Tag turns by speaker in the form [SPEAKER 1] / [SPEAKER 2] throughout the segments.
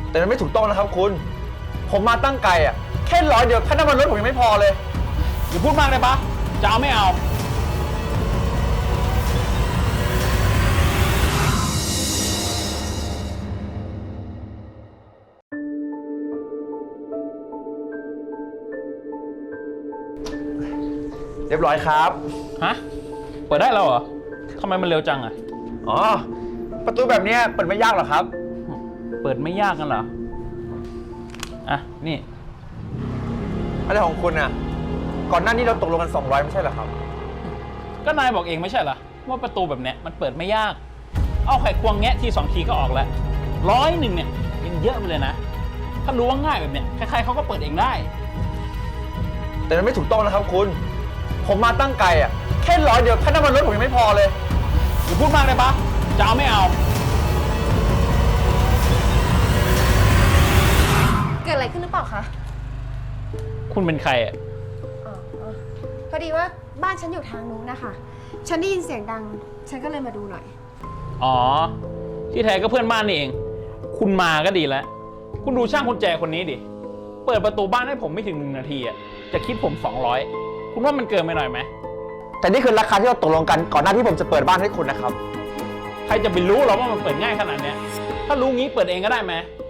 [SPEAKER 1] แต่มันไม่ถูกต้องนะครับคุณผมมาตั้งไกลอ่ะแค่100เดียวค่าน้ำมันรถผมยังไม่พอเลย
[SPEAKER 2] อย่าพูดมากเลยปะจะเอาไม่เอา
[SPEAKER 1] เรียบร้อยครับ
[SPEAKER 2] ฮะเปิดได้แล้วเหรอทำไมมันเร็วจังอะ
[SPEAKER 1] อ๋อประตูแบบนี้เปิดไม่ยากหรอกครับ
[SPEAKER 2] เปิดไม่ยากกันเหรออ่ะนี่
[SPEAKER 1] อะไรของคุณอ่ะก่อนหน้านี้เราตกลงกัน200ไม่ใช่เหรอครับ
[SPEAKER 2] ก็นายบอกเองไม่ใช่เหรอว่าประตูแบบเนี้ยมันเปิดไม่ยากเอาไขควงแงะที2 ทีก็ออกแล้ว100เนี่ยยังเยอะไปเลยนะถ้ารู้ว่าง่ายแบบเนี้ยใครๆเขาก็เปิดเองได้
[SPEAKER 1] แต่มันไม่ถูกต้องนะครับคุณผมมาตั้งไกลอ่ะแค่100เดียวค่าน้ำมันรถผมยังไม่พอเลย
[SPEAKER 2] อย่าพูดมากเลยปะจะเอาไม่เอา
[SPEAKER 3] เกิดอะไรขึ้นหรือเปล่าคะ
[SPEAKER 2] คุณเป็นใครอ่ะ
[SPEAKER 3] พอดีว่าบ้านฉันอยู่ทางนู้นนะคะฉันได้ยินเสียงดังฉันก็เลยมาดูหน่อย
[SPEAKER 2] อ๋อที่แท้ก็เพื่อนบ้านนี่เองคุณมาก็ดีแล้วคุณดูช่างกุญแจคนนี้ดิเปิดประตูบ้านให้ผมไม่ถึง1 นาทีอ่ะจะคิดผม200คุณว่ามันเกินไปหน่อยไหม
[SPEAKER 1] แต่นี่คือราคาที่เราตกลงกันก่อนหน้าที่ผมจะเปิดบ้านให้คุณนะครับ
[SPEAKER 2] ใครจะไปรู้หรอว่ามันเปิดง่ายขนาดเนี้ยถ้ารู้งี้เปิดเองก็ได้ไหม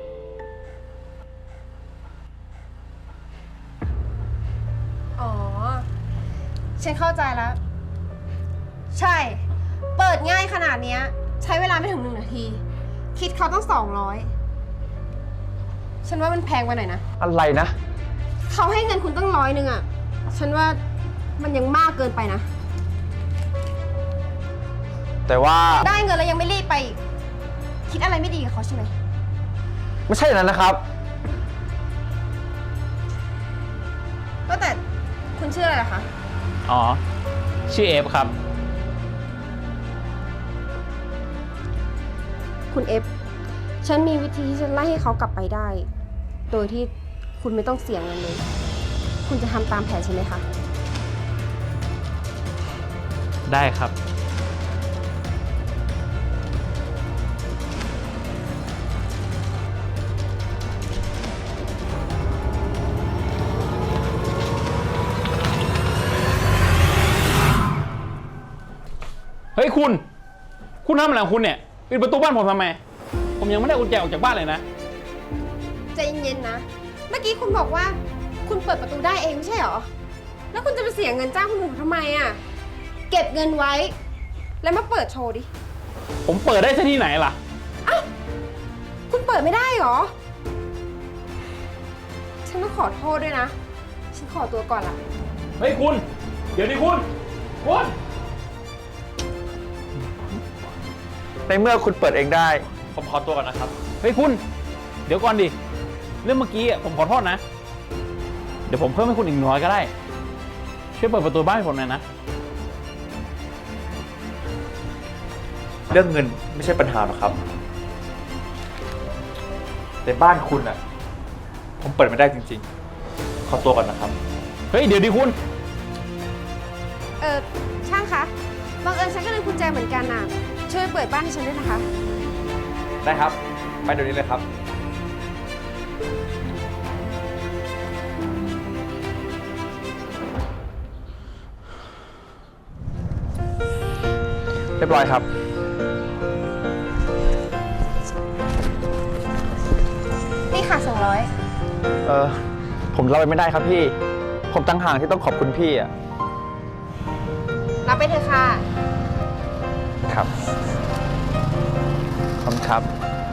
[SPEAKER 3] อ๋อฉันเข้าใจแล้วใช่เปิดง่ายขนาดนี้ใช้เวลาไม่ถึง1 นาทีคิดเขาต้อง200ฉันว่ามันแพงไปหน่อยนะ
[SPEAKER 1] อะไรนะ
[SPEAKER 3] เขาให้เงินคุณตั้ง100อ่ะฉันว่ามันยังมากเกินไปนะ
[SPEAKER 1] แต่ว่า
[SPEAKER 3] ได้เงินแล้วยังไม่รีบไปคิดอะไรไม่ดีกับเขาใช่ไหม
[SPEAKER 1] ไม่ใช่อย่างนั้นนะครับ
[SPEAKER 3] ก็แต่คุณชื่ออะไรล่ะคะ
[SPEAKER 2] อ๋อชื่อเอฟครับ
[SPEAKER 3] คุณเอฟฉันมีวิธีที่จะไล่ให้เขากลับไปได้โดยที่คุณไม่ต้องเสี่ยงเงินเลยคุณจะทำตามแผนใช่ไหมคะ
[SPEAKER 2] ได้ครับเฮ้ยคุณทำอะไรของคุณเนี่ยปิดประตูบ้านผมทำไมผมยังไม่ได้กุญแจออกจากบ้านเลยนะ
[SPEAKER 3] ใจเย็นๆนะเมื่อกี้คุณบอกว่าคุณเปิดประตูได้เองไม่ใช่หรอแล้วคุณจะไปเสียเงินจ้างคนอื่นทำไมอ่ะเก็บเงินไว้แล้วมาเปิดโชว์ดิ
[SPEAKER 2] ผมเปิดได้ที่ไหนล่ะ
[SPEAKER 3] อ้าวคุณเปิดไม่ได้หรอฉันต้องขอโทษด้วยนะฉันขอตัวก่อนละ
[SPEAKER 2] เฮ้ยคุณเดี๋ยวดิคุณ
[SPEAKER 1] ในเมื่อคุณเปิดเองได้ผมขอตัวก่อนนะครับ
[SPEAKER 2] เฮ้ยคุณเดี๋ยวก่อนดิเรื่องเมื่อกี้ผมขอโทษนะเดี๋ยวผมเพิ่มให้คุณอีก100ก็ได้ช่วยเปิดประตูบ้านให้ผมหน่อยนะ
[SPEAKER 1] เรื่องเงินไม่ใช่ปัญหาหรอกครับแต่บ้านคุณอ่ะผมเปิดไม่ได้จริงๆขอตัวก่อนนะครับ
[SPEAKER 2] เฮ้ยเดี๋ยวดิคุณ
[SPEAKER 3] ช่างคะบังเอิญฉันก็ลืมกุญแจเหมือนกันน่ะช่วยเปิดบ้านให้ฉันด้วยนะคะ
[SPEAKER 1] ได้ครับไปเดี๋ยวนี้เลยครับเรียบร้อยครับ
[SPEAKER 3] นี่ค่ะ200
[SPEAKER 1] ผมรับไปไม่ได้ครับพี่ผมตั้งห่างที่ต้องขอบคุณพี่อ่ะ
[SPEAKER 3] รับไปเถอะค่ะ
[SPEAKER 1] ครับขอบคุณครับ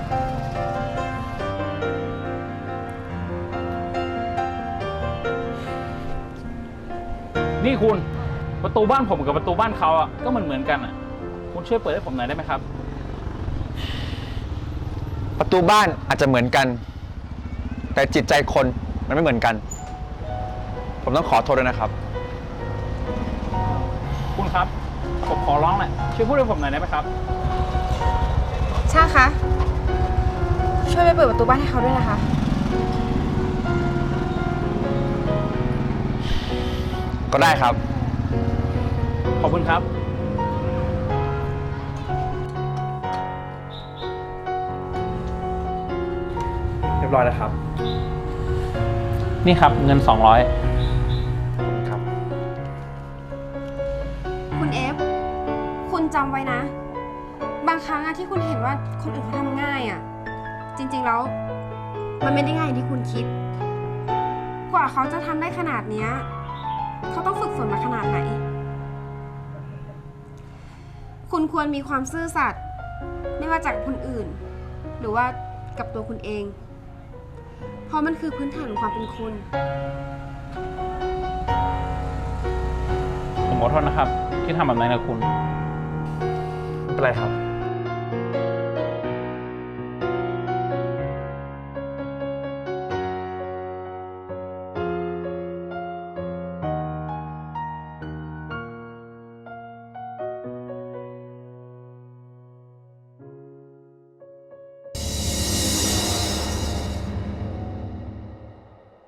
[SPEAKER 2] นี่คุณประตูบ้านผมกับประตูบ้านเขาอ่ะก็เหมือนกันอ่ะคุณช่วยเปิดให้ผมหน่อยได้ไหมครับ
[SPEAKER 1] ประตูบ้านอาจจะเหมือนกันแต่จิตใจคนมันไม่เหมือนกันผมต้องขอโทษด้วยนะครับ
[SPEAKER 2] คุณครับผมขอร้องแหละช่วยพูดให้ผมหน่อยได้ไหมครับ
[SPEAKER 3] ช่างคะช่วยไปเปิดประตูบ้านให้เขาด้วยนะคะ
[SPEAKER 1] ก็ได้ครับ
[SPEAKER 2] ขอบคุณครับ
[SPEAKER 1] เรียบร้อยแล้วครับ
[SPEAKER 2] นี่ครับเงิน 200
[SPEAKER 1] ครับ
[SPEAKER 3] คุณเอฟ คุณจำไว้นะ บางครั้งอะที่คุณเห็นว่าคนอื่นเขาทำง่ายอะจริงๆแล้ว มันไม่ได้ง่ายอย่างที่คุณคิด กว่าเขาจะทำได้ขนาดเนี้ยเขาต้องฝึกฝนมาขนาดไหน คุณควรมีความซื่อสัตย์ไม่ว่าจากคนอื่น หรือว่ากับตัวคุณเอง เพราะมันคือพื้นฐานของความเป็นคุณ
[SPEAKER 2] ผมขอโทษนะครับ ที่ทำแบบนั้นกับคุณ
[SPEAKER 1] ไม่เป็นไรครับ